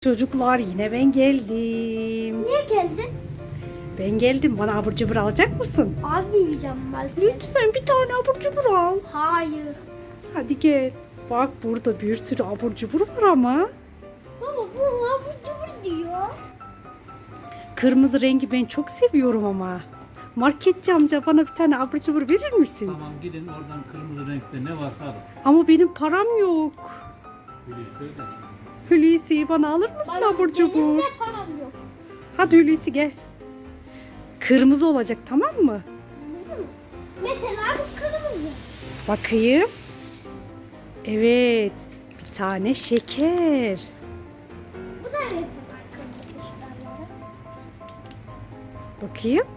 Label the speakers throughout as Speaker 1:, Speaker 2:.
Speaker 1: Çocuklar yine ben geldim.
Speaker 2: Niye geldin?
Speaker 1: Ben geldim. Bana abur cubur alacak mısın?
Speaker 2: Abi yiyeceğim ben.
Speaker 1: Lütfen bir tane abur cubur al.
Speaker 2: Hayır.
Speaker 1: Hadi gel. Bak burada bir sürü abur cubur var ama.
Speaker 2: Baba bu abur cubur diyor.
Speaker 1: Kırmızı rengi ben çok seviyorum ama. Marketçi amca bana bir tane abur cubur verir misin?
Speaker 3: Tamam gidin oradan kırmızı renkte ne varsa alın.
Speaker 1: Ama benim param yok.
Speaker 3: Söyle.
Speaker 1: Hulusi bana alır mısın abur
Speaker 2: Benim
Speaker 1: cubur?
Speaker 2: de param yok.
Speaker 1: Hadi Hulusi gel. Kırmızı olacak tamam mı?
Speaker 2: Anladın mı? Mesela bu kırmızı.
Speaker 1: Bakayım. Evet. Bir tane şeker.
Speaker 2: Bu da mesela kırmızı şuraları.
Speaker 1: Bakayım.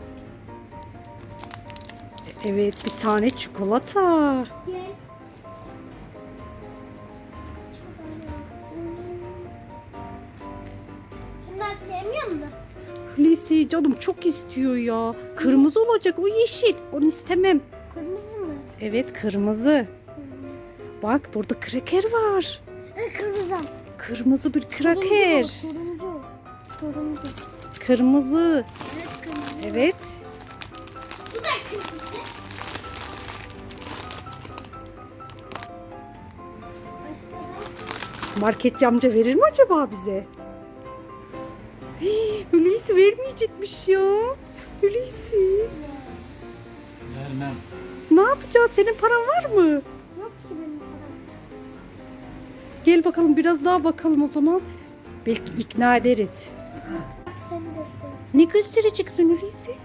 Speaker 1: Evet bir tane çikolata.
Speaker 2: Gel. Şunlar sevmiyor musun?
Speaker 1: Hulusi canım çok istiyor ya. Kırmızı olacak o yeşil. Onu istemem.
Speaker 2: Kırmızı mı?
Speaker 1: Evet kırmızı. Bak burada kraker var.
Speaker 2: Kırmızı.
Speaker 1: Kırmızı bir kraker.
Speaker 2: Turuncu. Turuncu.
Speaker 1: Kırmızı.
Speaker 2: Evet kırmızı.
Speaker 1: Evet.
Speaker 2: Bu da kırmızı.
Speaker 1: Marketçi amca verir mi acaba bize? Hii, Hulusi vermeyecekmiş ya. Hulusi.
Speaker 3: Vermem.
Speaker 1: Ne yapacağız? Senin paran var mı?
Speaker 2: Yok ki benim param.
Speaker 1: Gel bakalım biraz daha bakalım o zaman. Belki ikna ederiz.
Speaker 2: Bak seni göster.
Speaker 1: Ne göstereceksin Hulusi?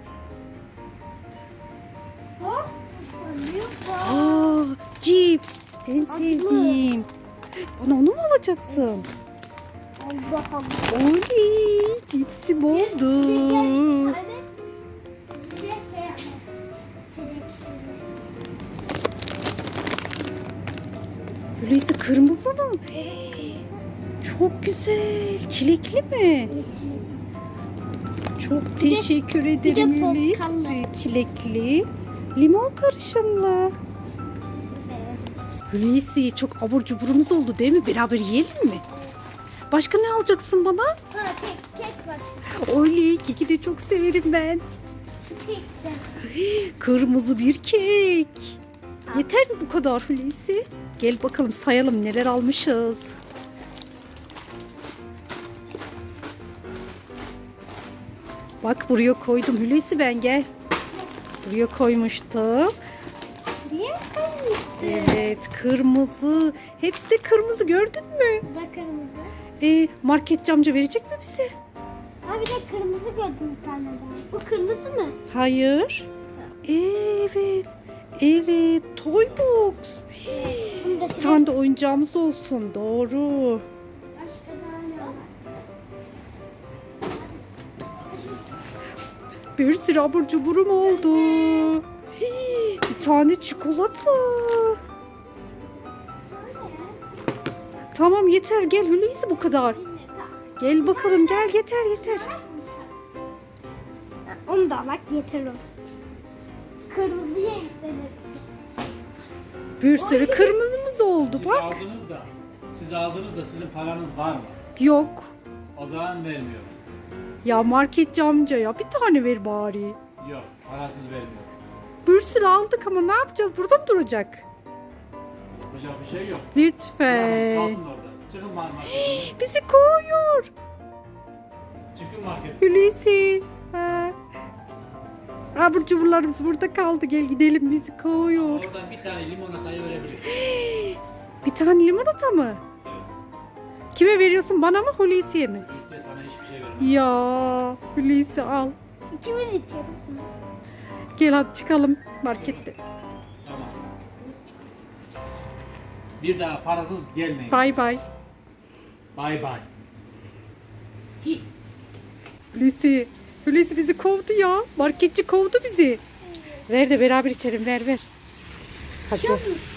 Speaker 2: Bak. İşte ne var?
Speaker 1: Aa, cips. En
Speaker 2: Acılı.
Speaker 1: sevdiğim. Bana onu mu alacaksın?
Speaker 2: Allah Allah.
Speaker 1: Oley, cipsim oldu. Hulusi kırmızı mı? Çok güzel. Çilekli mi? Çok teşekkür ederim
Speaker 2: portakallı.
Speaker 1: Hulusi. Çilekli, limon karışımlı. Hulusi çok abur cuburumuz oldu değil mi? Beraber yiyelim mi? Başka ne alacaksın bana?
Speaker 2: Kek var.
Speaker 1: Oley, keki de çok severim ben.
Speaker 2: Kek de.
Speaker 1: Kırmızı bir kek. Yeter mi bu kadar Hulusi? Gel bakalım sayalım neler almışız. Bak buraya koydum Hulusi ben gel. Buraya koymuştum.
Speaker 2: Niye koymuştun?
Speaker 1: Evet kırmızı. Hepsi de kırmızı gördün mü?
Speaker 2: Bu da kırmızı.
Speaker 1: Marketçi amca verecek mi bize?
Speaker 2: Ha bir de kırmızı gördüm bir tane daha. Bu kırmızı mı?
Speaker 1: Hayır. Evet. Evet. Toy box.
Speaker 2: Bunu da
Speaker 1: Bir tane de oyuncağımız olsun. Doğru.
Speaker 2: başka daha ne var?
Speaker 1: Bir sürü abur cuburum oldu. Bir tane çikolata. Tamam yeter gel Hulusi bu kadar. Gel bakalım gel yeter yeter.
Speaker 2: Onu da bak yeter o. Kırmızıya ekledim.
Speaker 1: Bir sürü kırmızımız oldu
Speaker 3: Siz
Speaker 1: bak.
Speaker 3: aldınız da sizin paranız var mı?
Speaker 1: Yok.
Speaker 3: O zaman vermiyorum.
Speaker 1: Ya marketçi amca ya bir tane ver bari.
Speaker 3: Yok parasız vermiyorum.
Speaker 1: Bir sürü aldık ama ne yapacağız? Burada mı duracak?
Speaker 3: Yapacak bir şey yok.
Speaker 1: Lütfen.
Speaker 3: Kalsın orada. Çıkın marketten.
Speaker 1: Bizi kovuyor.
Speaker 3: Çıkın marketten.
Speaker 1: Hulusi. Ha. Abur cuburlarımız burada kaldı. Gel gidelim bizi kovuyor.
Speaker 3: Oradan bir tane limonatayı verebilirim.
Speaker 1: Bir tane limonata mı?
Speaker 3: Evet.
Speaker 1: Kime veriyorsun? Bana mı Hulusi'ye mi?
Speaker 3: Öyleyse sana hiçbir şey vermem.
Speaker 1: Ya Hulusi al.
Speaker 2: İkimiz içiyoruz.
Speaker 1: Gel hadi çıkalım markette.
Speaker 3: Tamam. Bir daha parasız gelmeyin.
Speaker 1: Bay bay.
Speaker 3: Bay bay.
Speaker 1: Hulusi. Hulusi bizi kovdu ya. Marketçi kovdu bizi. Ver de beraber içelim ver ver. Hadi.
Speaker 2: İçiyor musun?